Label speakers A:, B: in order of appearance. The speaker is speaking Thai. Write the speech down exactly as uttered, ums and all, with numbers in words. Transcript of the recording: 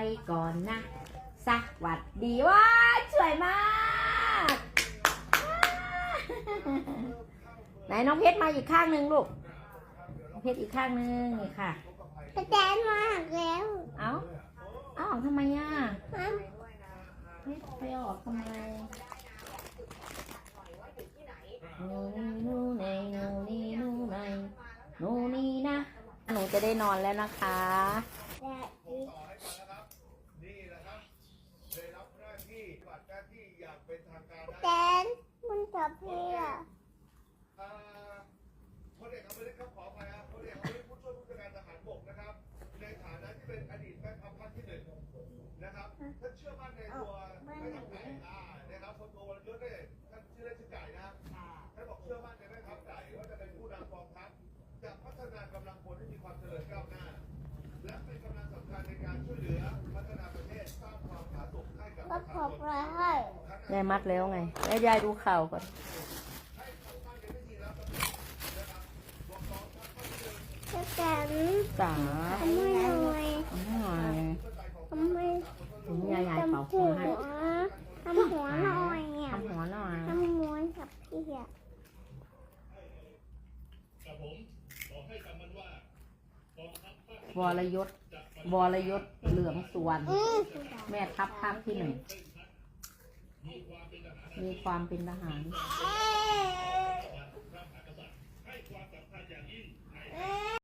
A: ก่อนนะสวัสดีว้าสวยมากไหนน้องเพชรมาอีกข้างหนึ่งลูกเพชรอีกข้างหนึ่งนี่ค่ะ
B: กระแตนมากแล้ว
A: เอาเอาออกทำไมอ่ะเพชรไปออกทำไมนูนี่นูในนูนี่นูในนูนี่นะหนูจะได้นอนแล้วนะคะ
B: แตนมันจับเพีย
C: พลเอกอมรินทร์ครับขออภัยครับพลเอกอมรินทร์ผู้ช่วยผู้จัดการทหารบกนะครับในฐานะที่เป็นอดีตแม่ทัพภาคที่หนึ่งนะครับท่านเชื่อมั่นในตัวแม่ทัพไก่นะครับพลโทวรยุทธ์เนี่ยท่านชื่อเล่นชื่อไก่นะครับท่านบอกเชื่อมั่นในแม่ทัพไก่ว่าจะเป็นผู้นำกองทัพจะพัฒนากำลังพลให้มีความเจริญก้าวหน้าและเป็นกำลังสำคัญในการช่วยเหลือพัฒนาประเทศสร้างความผาสุกให้กับประชาชน
A: ยายมัดแล้วไงแล้วยายดูข่าวก่อน
B: แตน
A: จ๋า
B: ทำไมหน่อย
A: ทำไม
B: ทำไม
A: ถึงยายยายเป่าหัวให้
B: ทำหัวหน่อย
A: ทำหัวหน่อย
B: ทำม้วนกับพี่อ่ะ
A: วรยศวรยศเหลืองสุวรรณแม่ทัพภาคที่หนึ่งมีความเป็นทหาร